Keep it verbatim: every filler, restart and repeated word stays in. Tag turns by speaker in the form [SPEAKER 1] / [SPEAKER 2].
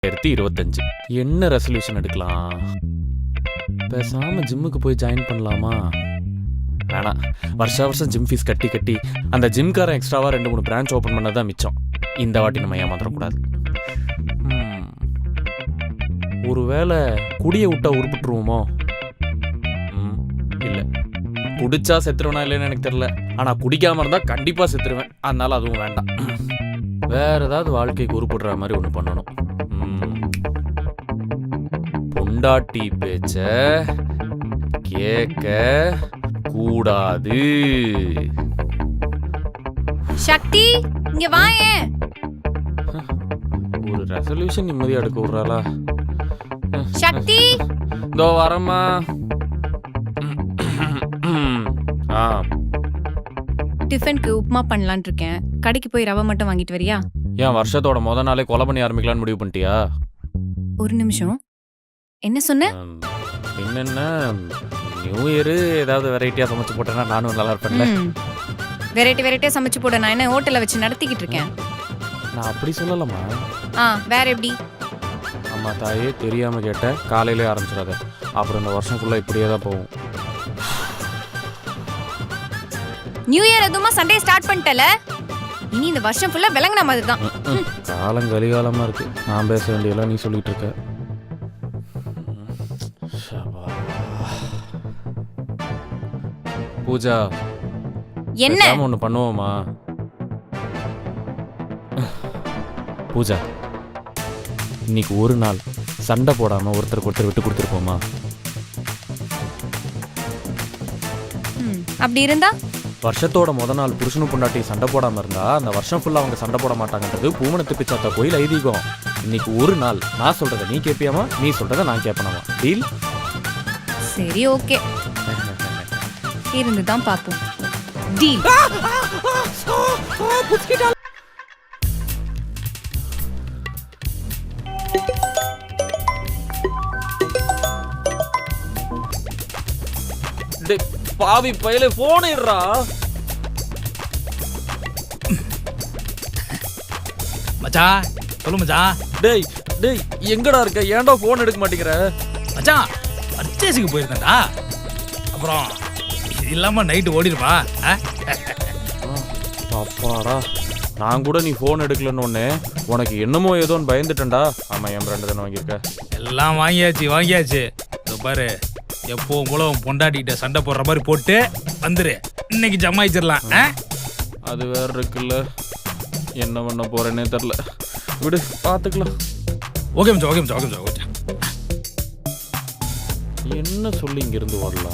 [SPEAKER 1] ரெண்டாயிரத்தி இருபத்தஞ்சு என்ன ரெசல்யூஷன் எடுக்கலாம்? பேசாம ஜிம்முக்கு போய் ஜாயின் பண்ணலாமா? வேணாம். வருஷா வருஷம் ஜிம் ஃபீஸ் கட்டி கட்டி அந்த ஜிம்காரன் எக்ஸ்ட்ராவா ரெண்டு மூணு பிரான்ச் ஓப்பன் பண்ணதான் மிச்சம். இந்த வாட்டி நம்ம ஏமாந்துடக்கூடாது. ஒருவேளை குடியை விட்டா உருப்பிட்டுருவோமோ? இல்லை, குடிச்சா செத்துருவேனா இல்லைன்னு எனக்கு தெரியல. ஆனால் குடிக்காம இருந்தால் கண்டிப்பாக செத்துருவேன். அதனால அதுவும் வேண்டாம். வேற ஏதாவது வாழ்க்கைக்கு உருப்பிடுற மாதிரி ஒன்று பண்ணணும். பொண்டாட்டி பேச்ச கேட்க கூடாது.
[SPEAKER 2] சக்தி, இங்க வாயேன்.
[SPEAKER 1] ஒரு ரெசல்யூஷன் நிம்மதியா எடுக்க விடுறாளா?
[SPEAKER 2] சக்தி,
[SPEAKER 1] இதோ வரமா. ஆ,
[SPEAKER 2] டிஃபனுக்கு உப்புமா பண்ணலான் இருக்கேன். கடைக்கு போய் ரவை மட்டும் வாங்கிட்டு வரியா?
[SPEAKER 1] ஏன் வருஷத்தோட முத நாளே கொலை பண்ணி ஆரம்பிக்கலான்னு முடிவு பண்ணிட்டியா?
[SPEAKER 2] ஒரு நிமிஷம், என்ன சொன்ன?
[SPEAKER 1] என்னென்ன நியூ இயர் ஏதாவது வெரைட்டியா சமைச்சு போட்டேன்னா நானும் நல்லா இருப்பேன்ல.
[SPEAKER 2] வெரைட்டி வெரைட்டியா சமைச்சு போட நான் என்ன ஹோட்டல்ல வச்சு நடத்திக்கிட்டு இருக்கேன்?
[SPEAKER 1] நான் அப்படி சொல்லலாமா?
[SPEAKER 2] ஆ, வேற எப்படி?
[SPEAKER 1] அம்மா தாயே, தெரியாம கேட்ட, காலையிலே ஆரம்பிச்சிடாத. அப்புறம் இந்த வருஷம் ஃபுல்லா இப்படியே தான் போகும்.
[SPEAKER 2] நியூ இயர் எதுவுமா சண்டே ஸ்டார்ட் பண்ணிட்டல, இனி இந்த வருஷம் ஃபுல்லா விளங்குன மாதிரி தான்.
[SPEAKER 1] காலம் கலிகாலமா இருக்கு. நான் பேச வேண்டியெல்லாம் நீ சொல்லிட்டு இருக்க. பூஜா,
[SPEAKER 2] என்ன
[SPEAKER 1] ஒண்ணு பண்ணுவோமா? பூஜா, இன்னைக்கு ஒரு நாள் சண்டை போடாம ஒருத்தருக்கு ஒருத்தர் விட்டு கொடுத்துருப்போமா?
[SPEAKER 2] அப்படி இருந்தா
[SPEAKER 1] வருஷத்தோட முத நாள் புருஷனும் பொண்டாட்டி சண்டை போடாம இருந்தா அந்த வருஷம் ஃபுல்லா அவங்க சண்டை போட மாட்டாங்கன்றது பூமணத்து பிச்சாத்தா கோயில் ஐதீகம். இன்னைக்கு ஒரு நாள் நான் சொல்றத நீ கேட்பியாமா, நீ சொல்றத நான் கேட்பனாமா? டீல்?
[SPEAKER 2] சரி, ஓகே, இருந்து தான் பாப்போம். டீல். பாவி பையலே போன் எடுறா.
[SPEAKER 3] மச்சான், சொல்லு மச்சான்.
[SPEAKER 1] டேய் டேய், எங்கடா இருக்க? ஏன்டா போன் எடுக்க மாட்டேங்கிற?
[SPEAKER 3] மச்சான், பர்ச்சேஸுக்கு போயிருந்தேன்டா. அப்புறம் இது இல்லாம நைட்டு ஓடிடுமா?
[SPEAKER 1] அப்பாடா, நான் கூட நீ போன் எடுக்கலன்னு ஒண்ணு உனக்கு என்னமோ ஏதோன்னு பயந்துட்டேன்டா. ஆமா, என் ரெண்டு தானே வாங்கியிருக்க.
[SPEAKER 3] எல்லாம் வாங்கியாச்சு வாங்கியாச்சு. பாரு, எப்பவும் போல பொண்டாட்டிகிட்ட சண்டை போடுற மாதிரி போட்டு வந்துரு. இன்னைக்கு ஜமாயிச்சிடலாம்.
[SPEAKER 1] அது வேற இருக்குல்ல, என்ன பண்ண போறேன்னே தெரியல. விடு, பாத்துக்கலாம்.
[SPEAKER 3] ஓகே மச்சான், ஓகே மச்சான், ஓகே மச்சான்.
[SPEAKER 1] என்ன சொல்லி இங்கிருந்து ஓடலாம்?